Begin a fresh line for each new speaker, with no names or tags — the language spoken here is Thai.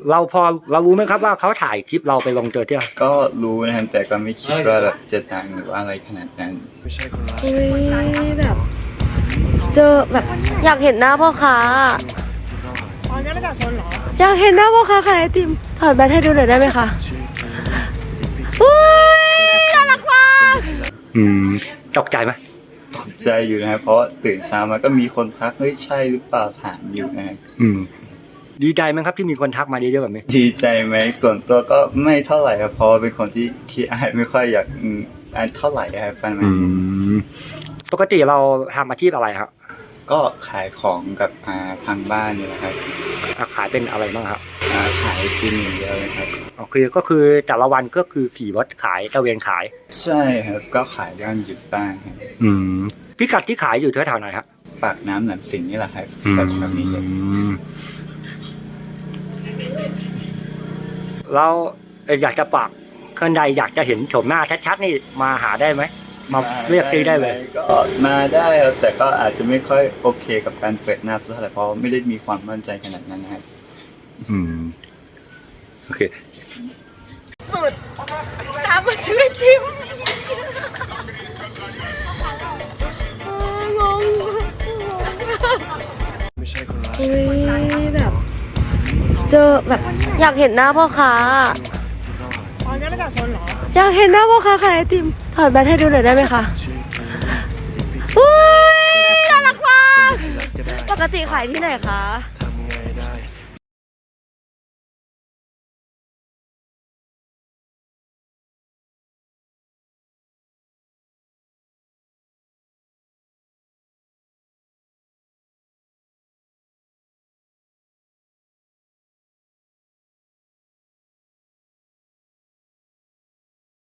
เรารู้ไหมครับว่าเขาถ่ายคลิปเราไปลงโซเชียล
ก็รู้นะครับแต่ก็ไม่คิดว่าแบบจะดังหรือว่าอะไรขนาดนั้น
แบบเจอแบบอยากเห็นหน้าพ่อค้า
อ๋อนั่นมาจากโซนเหรอ
อยากเห็นหน้าพ่อค้าขายไอติมถอดแบตให้ดูหน่อยได้ไหมคะอุ้ยน่ารักมาก
ตกใจไหม
ตกใจอยู่นะครับเพราะตื่นเช้ามาก็มีคนทักเฮ้ยใช่หรือเปล่าถามอยู่นะครับ
ดีใจไหมครับที่มีคนทักมาเยอะๆแบบนี้
ดีใจไหมส่วนตัวก็ไม่เท่าไหร่ครับเพราะเป็นคนที่ขี้อายไม่ค่อยอยากอ่านเท่าไหร่ครับประมาณ
ปกติเราทำอาชีพอะไรครับ
ก็ขายของกับทางบ้านนี่แหละครับ
ขายเป็นอะไรบ้างครับ
ขายกินอย่างเดียวเลยครับ
ก็คือแต่ละวันก็คือขี่รถขายตะเวนขาย
ใช่ครับก็ขายย่านหยุดบ้างครับ
พิกัดที่ขายอยู่แถวไหนครับ
ปากน้ำหนำสิงนี่แหละครับแต่ชแบบนี้
เราอยากจะฝากคนใดอยากจะเห็นโฉมหน้าชัดๆนี่มาหาได้ไหมมาเรียกตีได้เลย
ก็มาได้ครับแต่ก็อาจจะไม่ค่อยโอเคกับการเปิดหน้าสักเท่าไหร่เพราะไม่ได้มีความมั่นใจขนาดนั้นนะครับ
โอเค
สุดตามมาช่วยทิมงงแบบเจอแบบอยากเห็นหน้าพ่อค้า
อ๋อนั่นมาจากโซนเหรอ
อยากเห็นหน้าพ่อค้าขายไอติมถอดแบตให้ดูหน่อยได้ไหมคะอุ้ยน่ารักมากปกติขายที่ไหนคะ